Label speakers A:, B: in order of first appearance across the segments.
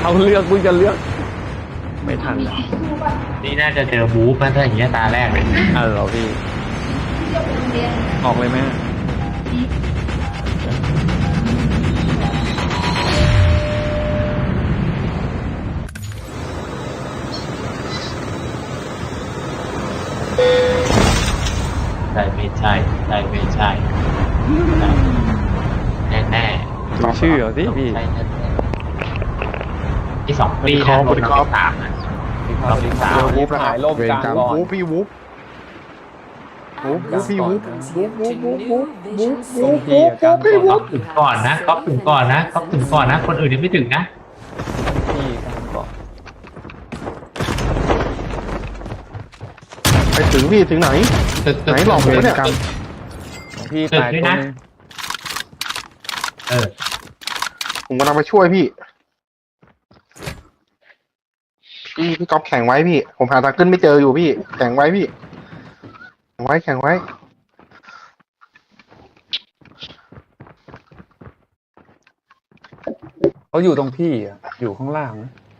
A: เอาเลือกมึงจะเลือกไม่ทันแล้ว
B: นี่น่าจะเจอบู๊มาถ้าอย่างเงี้ยตาแรกเลย
A: เหรอพี่ออกเลยไหม
B: ใช่ไม่ใช่ใช่ไม่ใช่แน่แน่
A: ดูชื่อเหรอสิพี่
B: ใช่แน่ที่สองปีนะลงที่สามนะเราที่สาม
A: วูบหายล่มกลางก่อน
C: วูบพี่วูบพี่วูบพี่วูบ
B: ถึงก่อนนะก๊อฟถึงก่อนนะก๊อฟถึงก่อนนะคนอื่นยังไม่ถึงนะ
A: พี่กลางก่อน
C: ไปถึงพี่ถึงไหน
B: ตึก
C: ไหนหลอกผมเนี่ย
A: พี่ตายตัวนึง
C: ผมกำลังไปช่วยพี่ก๊อฟแข่งไว้พี่ผมหาทางขึ้นไม่เจออยู่พี่แข่งไว้พี่แข่งไว้
A: เขาอยู่ตรงพี่อ่ะอยู่ข้างล่าง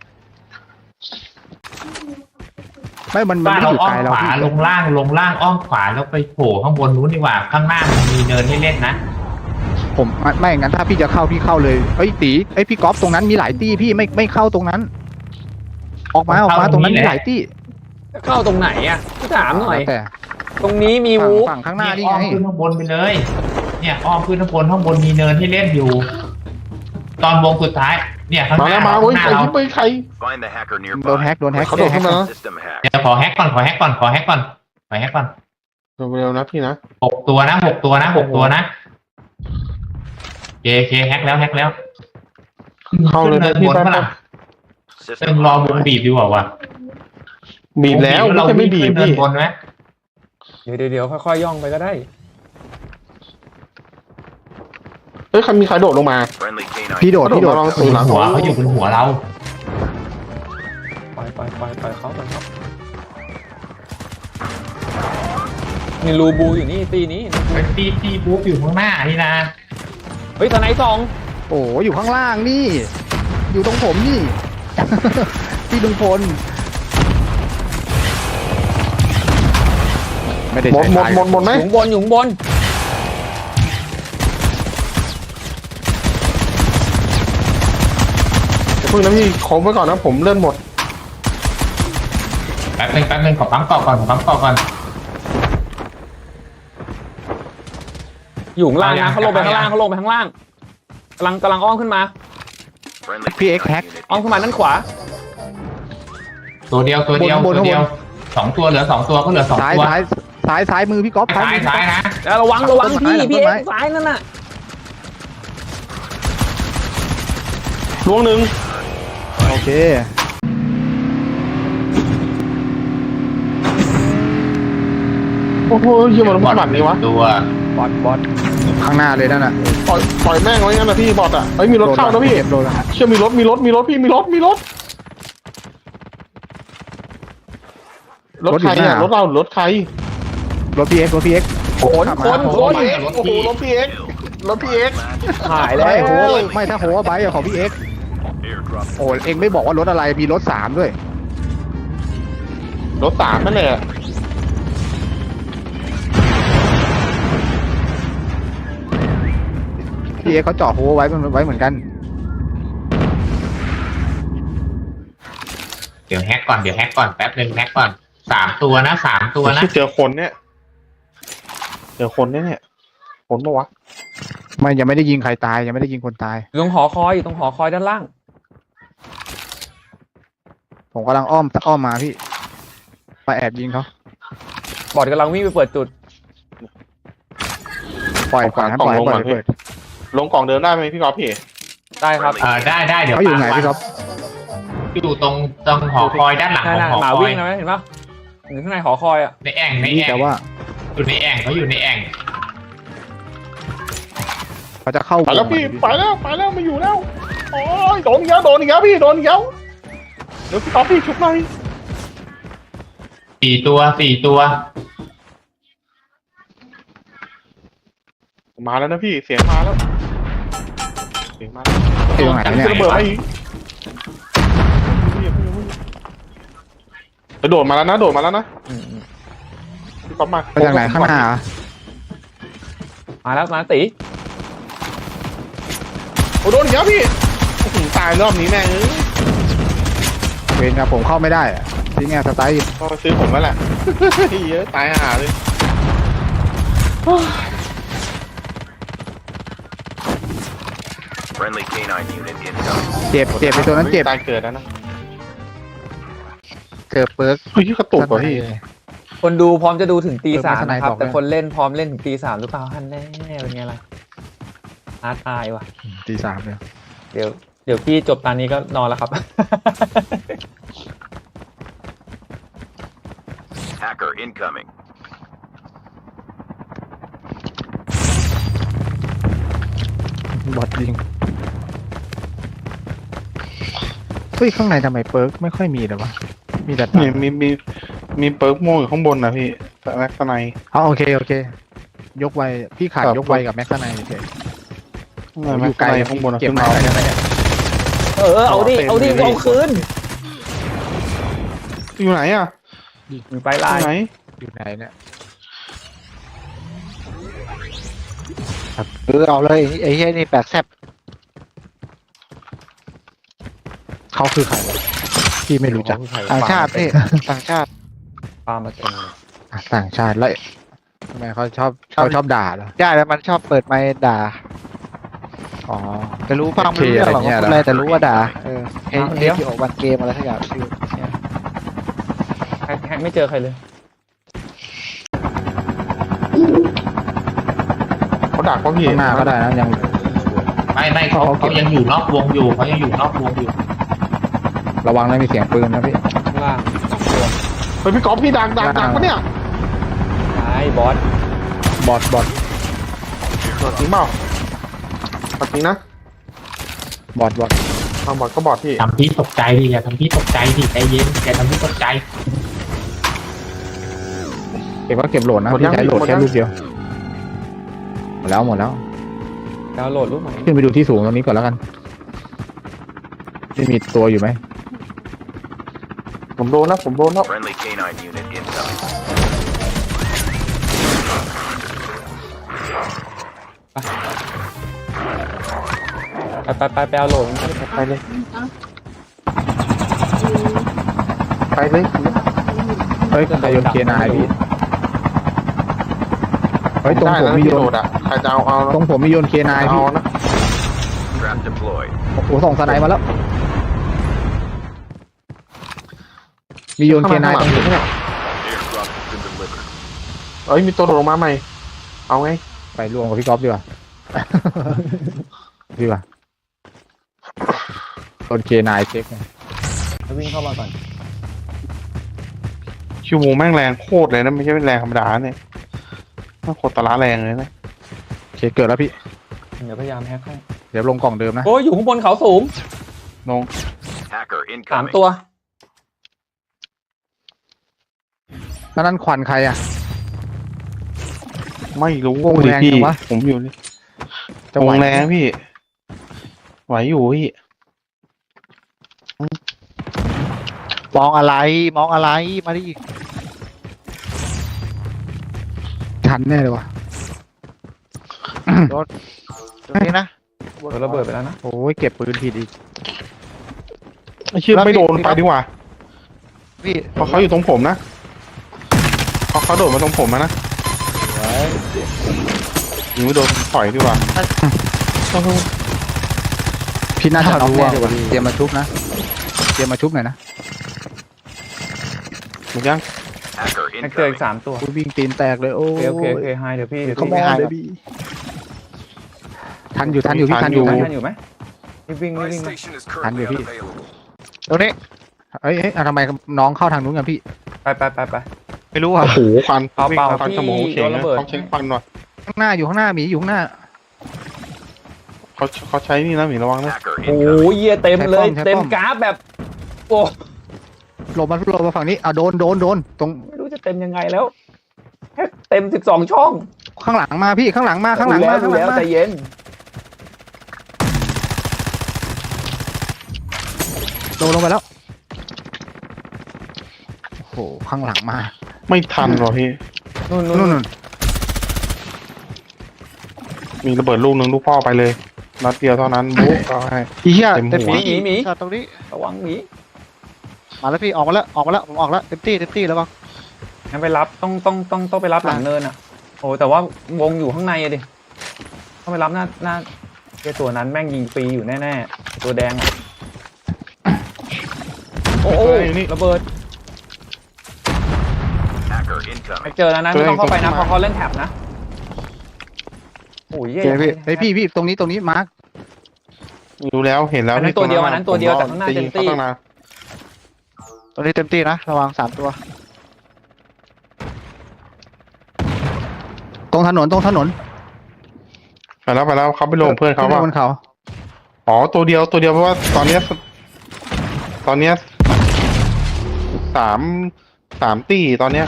D: ไม่มัน
B: บ้าน
D: ไม่
B: เรา
D: อยู่
B: อ้อ
D: ไกล
B: ม
D: เรา
B: ขวาลงล่างอ้อมขวาแล้วไปโผล่ข้างบนนู้นดีกว่าข้างหน้ามันมีเนินให้เล่นนะ
D: ผมไม่งั้นถ้าพี่จะเข้าพี่เข้าเลยเอ้ยตีไอ้พี่ก๊อฟตรงนั้นมีหลายตี้พี่ไม่เข้าตรงนั้น ออกมาตรงนั้นมีหลายตี้
A: เข้าตรงไหนอ่ะพี่ถามหน่อย
D: แต่
A: ตรงนี้มีวูฟ
D: ฝั่งข้างหน้านี่
B: อ้อ
D: ไง
B: มขึ้นข้างบนไปเลยเนี่ยอ้อมขึ้นข้างบนมีเนินให้เล่นอยู่ ตอนวงสุดท้ายเนี่ยข้างห
C: มา
B: น้า
C: แล้วมาเว้ย
B: ข้างหน้า
C: ใคร
B: เรา
C: ที่ไปใคร
D: โดนแฮก
C: เขาโดดขึ้นมา
B: เดี๋ยวขอแฮกก่อนขอแฮกก่อนขอแฮกก่อน
C: เร็วนะพี่นะ
B: 6 ตัวนะเคแฮกแล้ว
C: เข้าเลย
B: ขึ้น
C: พี่
B: บน
C: แป๊บ
B: เท่าไหร่ต้องรอวงบีบดีกว่าวะ
C: บีบแล้วไม่ใช่ไม่บีบ
B: ขึ้น
C: พี่
B: บนไหม
A: เดี๋ยวค่อยๆย่องไปก็ได้
C: เฮ้ยมีใครโดดลงมา
D: พี่โดด
C: ลองสูงหลัง
B: หัวเขาอยู่บนหัวเรา
A: ไปเขาไปครับมีรูบูอยู่นี่ตีนี้
B: เป็นตีบุ๊บอยู่ข้างหน้านี่นะ
A: เฮ้ยทนายสอง
D: โอ้อยู่ข้างล่างนี่ อยู่ตรงผมนี่ พี่ลุงพลไม่ได้
C: หมดไหม
A: อยู่ข้างบน
C: เพิ่งนะพี่ขอไว้ก่อนนะผมเลื่อนหมด
B: แป๊บนึงขอปั๊มต่อก่อน
A: อยู่ข้างล่างนะเขาลงไปข้างล่างกำลังอ้อมขึ้นมา
D: พี่เอ็กแฮก
A: อ้อมขึ้นมาด้านขวา
B: ตัวเดียว 2 ตัวเหลือ 2 ตัวก็เหลือ 2
D: ซ้าย
B: ตัว
D: ซ้ายมือพี่ก๊อฟ
B: ซ้ายนะ
A: แล้วระวังพี่เอ็กซ้ายนั่นน่ะ
C: ล้วงหนึ่ง
D: โอเค
C: โอ้โหยี่มันบัตรนี่วะ
B: ตัว
A: บอท
D: ข้างหน้าเลยนั่นน่ะ
C: ปล่อยแม่งไว้งั้นนะพี่บอทอ่ะเฮ้ยมีรถเข้านะพี่
D: โดน
C: เชื่อมีรถพี่รถใครอ่ะรถเรารถใคร
D: รถพี่เอ็ก
A: คน
C: โอ้โหรถพี่เอ็ก
A: หายแล้ว
D: ไม่ถ้าโหว่าไบค์ของพี่เอ็กโอ้เอ็งไม่บอกว่ารถอะไรมีรถ3ด้วย
C: รถ3นั่นแหละ
D: พี่เอ็กเขาเจาะโหไว้เหมือนกัน
B: เดี๋ยวแฮกก่อนแป๊บนึงแฮกก่อน3 ตัวนะ
C: เจอคนเนี่ยคนปะวะ
D: ไม่ยังไม่ได้ยิงใครตายยังไม่ได้ยิงคนตาย
A: อยู่ตรงหอคอยด้านล่าง
D: ผมกำลังอ้อมมาพี่ไปแอบยิงเขา
A: บอทกำลังวิ่งไปเปิดจุด
D: ปล่อยเปิด
C: ลงกล่องเดินได้ไหมพี่กอล์ฟพี่
A: ได้ครับ
B: ได้เดี๋ยว
D: เขาอยู่ไหนพี่ก๊อฟ
B: อยู่ตรงหอคอยด้านหลังของหอ
A: หมา
B: คอ
A: วิ่
B: ย
A: งนะเห็นปะอยู่ข้างในหอคอยอ่ะ
B: ในแอ่ง
D: แต่ว่า
B: อยู่ในแอ่งเขาอยู่ในแอ่ง
D: เขาจะเข้า
C: ไปแล้วพี่ไปแล้วมาอยู่แล้วโอ้ยโดนอีกแล้วพี่เดี๋ยวพี่กอล์ฟพี่ชุบหน่อย
B: 4 ตัว
C: มาแล้วนะพี่เสียงมาแล้ว
D: ที่ตรงไหนเนี่ย
C: ระเบิดมาอีกโดดมาแล้วนะโดดมาแล้วนะ
A: อืม
C: พี่ก๊อฟมา
D: ไปจากไหนข้างหน้าเหรอ
A: มาแล้วมาตี
C: โอ้โดนอีกแล้วพี่โอ้โหตายรอบนี้แม่งเอ้ย
D: เวรครับผมเข้าไม่ได้อะที่เนี่ยสไตล์
C: ก็ซื้อผมแล้วแหละ เยอะตายห่าเลย
E: Friendly canine unit incoming.
D: เจ็บไปตัวนั้นเจ็บ
C: ตายเกิดแล้วนะ
D: เกิดเปิร์ก
C: เฮ้ยกระตุกว่ะพี่
A: คนดูพร้อมจะดูถึงตี 3
D: เออมาสไน
A: นะครับ
D: บอก
A: แต่
D: ด้วย
A: คนเล่นพร้อมเล่นถึงตี 3หรือเปล่าฮันแน่เป็นไงล่ะตายว่ะ
D: ตีสามเลย
A: เดี๋ยวพี่จบตอนนี้ก็นอนแล้วครับ
E: Hacker incoming.
D: บอดยิงเฮ้ยข้างในทำไมเปิร์กไม่ค่อยมีเลยวะมีแต่
C: นี่มีเปิร์กม่วงอยู่ข้างบนนะพี่แต่แม็กซ์ใน
D: อ๋อโอเคยกไวพี่ขาด
C: ครับ
D: ยกไวกับแม็กซ์ในโอเค
C: แม็
D: อก ยู่
C: ซ์
D: ไกล
C: ในข้างบนอะ
D: เก็บ
C: ขึ้น
D: มา
C: มา
D: ได้ไหมเนี่ย
A: เอาดิเอาคืน
C: อยู่ไหนอ่ะ
A: มีไฟ
C: อ
A: ลาย
C: ยู่ไหน
D: อยู่ไหนเนี่ย
F: เอาเลยไอ้เหี้ยนี่แปลกแซ่บ
D: เขาคือใครวะพี่ไม่รู้จัก
F: ต่างชาตินี่ต่างชาติ
A: ปามาเต็มเลย
D: อ่ะต่างชาติแล้วทำไมเขาชอบด่าเหรอ
F: ได้แล้วมันชอบเปิดไมค์ด่า
D: อ๋อ
F: แต่รู้ฟังไม่รู้เรื่องหรอกว่าพูดอะไรแต่รู้ว่าด่าเฮ้ยที่ออกวันเกมอะไรสักอย่างชื่อ
A: แฮกไม่เจอใครเลย
C: เขาดักว่าพี่
D: ข้างหน้าก็ได้นะยัง
B: ไม่เขายังอยู่นอกวงอยู่เขายังอยู่นอกวงอยู่
D: ระวังนะมีเสียงปืนนะพี่
A: ข้างล่างตัว
C: เฮ้ยพี่ก๊อฟพี่ดักปะเนี่ย
A: ซ้ายบอส
D: บอด
C: จริงเปล่าจริงนะ
D: บอด
C: เอาบอดก็บอดพี่
B: ทำพี่ตกใจดิอย่าทำพี่ตกใจดิใจเย็นอย่าทำพี่ตกใจ
D: เก็บว่าเก็บโหลดนะพี่ใช้โหลดแค่ลูกเดียวหมดแล้ว
A: ดาวน์โหลดรูปใหม่
D: ขึ้นไปดูที่สูงตรงนี้ก่อนแล้วกันที่มีตัวอยู่ไหม
C: ผมโดนแล้ว
E: Friendly canine unit incoming.
A: ไปเอาโหลด
C: ไปเลยไปเลย
D: เฮ้ยใครโยนเคนายพี่เฮ้ยตรง
C: ได้
D: ผม
C: นะ
D: มี
C: พี่
D: โย
C: โด
D: น
C: ดอ่ะใครจะเอา
D: ตรงผมมีโยนเคนาย
C: เอา
D: พี่
C: นะ
E: Trap deployed.
D: โอ้โหส่งสไนด์มาแล้ว มีโยนเคนายตรงผม
E: Airdrop has been delivered.
C: เอ้ยมีตัวโดดลงมาใหม่ เอาไง
D: ไปรวมกับพี่ก๊อฟดีกว่า ดีกว่าโยนเคนายเช็คไง
A: วิ่งเข้ามาก่อน
C: คิวโมแม่งแรงโคตรเลยนะไม่ใช่แรงธรรมดาเนี่ยโคตรตะละแรงเลยนะ
D: โอเคเกิดแล้วพี่
A: เดี๋ยวพยายามแฮกให้
D: เดี๋ยวลงกล่องเดิมนะ
A: โอ้ยอยู่ข้างบนเขาสูง
C: ลง
E: Hacker
A: 3
E: incoming.
A: ตัว
D: แล้วนั่นควันใครอ่ะ
C: ไม่รู้
D: วงแรง
C: พี่
D: จังวะ
C: ผมอยู่นี่
D: จะไหว
C: วงแรงพี่ไหวอยู่พี่
F: มองอะไรมาดิ
D: ทันแน่เลยวะ
F: ตรงนี้นะ
A: โดนระเบิดไปแล้วนะ
D: โอ้ยเก็บปืนผิดอีก
C: ไอ้เชื่อไม่โดนไปดีกว่า
F: พี่
C: เพราะเขาอยู่ตรงผมนะเขาโดดมาตรงผมนะยิงไม่โดนถอยดีกว่า
D: พี่น่าจะน็อก
C: รู้
D: แน่
C: ว่า
D: เลยวะเตรียมมาชุบนะเตรียมมาชุบหน่อยนะ
C: หมดยัง
E: Hacker
A: แฮกเจออีก
E: incoming.
A: 3 ตัว
D: กูวิ่งตีนแตกเลยโอ้
A: โอเคไฮเดี๋ยวพี่
D: เขามองเลยพี่ทันอยู่พี่ทันอยู่
A: ทันอยู่ไหมวิ่ง
E: My
A: ไหม
E: station is
D: Hand
E: currently
D: your feet.
E: unavailable.
F: ตรงนี้
D: เอ้ยทำไมน้องเข้าทางนู้นกันพี่
A: ไป
F: ไม่รู้อ่ะ
C: โอ้โหควัน
A: เปล่า
C: วิ่งควัน
A: พี่
C: สมองเข่ง
A: โดนระ
C: นะ
A: เบิด
C: เขาใช้ควันว่ะ
D: ข้างหน้าอยู่ข้างหน้าหมีอยู่ข้างหน้า
C: เขาใช้นี่นะหมีระวังนะ
E: Hacker
A: โอ้
E: incoming.
A: ยเยียเต็มเลย
D: ใช้ป้อม
A: เต็มกราฟแบบ โอ้
D: หลบมาฝั่งนี้โดนตรง
A: ไม่รู้จะเต็มยังไงแล้วแฮกเต็ม12 ช่อง
D: ข้างหลังมาพี่ข้างหลังมา
A: ดูแล้วใจเย็น
D: โดนลงไปแล้วโอ้โหข้างหลังมา
C: ไม่ทันหรอพี่
A: นู่น
D: นู่น
C: มีระเบิดลูกหนึ่งลูกพ่อไปเลยนัดเดียวเท่านั้นบุ๊กก็ให้
F: อีเหี้ย
C: เต็มหัว
F: เต็มที่
A: หมี
F: ช็อตตรงนี้
A: ระวังหมี
F: มาแล้วพี่ออกมาแล้วผมออกแล้วเต็มที่แล้วบ้าง
A: งั้นไปรับต้องไปรับหลังเนินอ่ะโอ้แต่ว่าวงอยู่ข้างในอะดิต้องไปรับหน้าไอ้ตัวนั้นแม่งยิงฟรีอยู่แน่ๆตัวแดงอะโอ้ระเบิด
E: Hacker
A: ไป
E: incoming.
A: เจอแล้วนะไม่ต้องเข้าไปนะเพราะเขาเล่นแท็บนะโอ้ย
D: โอเคพี่เฮ้ยพี่ตรงนี้มาร์ค
C: รู้แล้วเห็นแล้ว
A: อันนั้นตัวเดียวแต่ข้างหน้าเต็มตี้
F: ตรงนี้เต็มที่นะระวัง3 ตัว
D: ตรงถนน
C: ไปแล้วเขาไปลงเพื่อนเขา
D: ขึ้
C: ว่า
D: บนเขา
C: อ๋อตัวเดียวเพราะว่าตอนเนี้ยสามตีตอนเนี้ย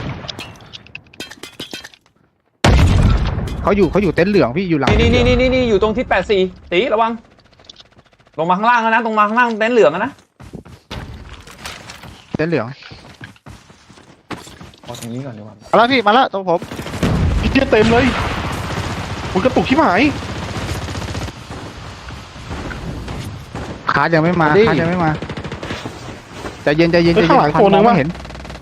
D: เขาอยู่เต็นท์เหลืองพี่อยู่หลัง
A: นี่อยู่ตรงที่84ตีระวังลงมาข้างล่างแล้วนะตรงมาข้างล่างเต็นท์เหลืองนะ
D: เต็นท์เหลือง
A: เอาตรงนี้ก่อนดีกว่า
F: มาแล้วพี่มาแล้วตรงผม
C: อีเจี๊ยเต็มเลยมันกระตุกที่หาย
D: คาร์ดยังไม่มาใจเย็น
C: ข้างหลังตัวนึง
D: ไม่
C: วะ
D: เห็น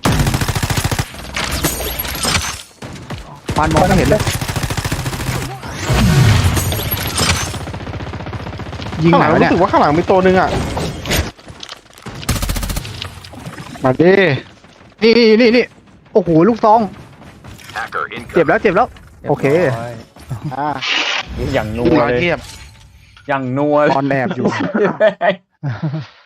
D: ฟันมองไม่เห็นเลยยิง
C: ข้าง
D: ไห
C: ห
D: น
C: ลัง
D: วะ
C: รู้
D: เนี่ย
C: สึกว่าข้างหลังมีตัวนึงอ่ะ
F: มาดิ
D: นี่โอ้โหลูกซอง
E: Hacker
D: เจ็บ
E: incoming.
D: แล้วโอเค
F: อ่า
A: อย่างนั
C: ลูก
A: ว
C: ร้อย
A: เลย
C: เทียบ
A: อย่างนัวเลย
D: ตอนแอบอยู่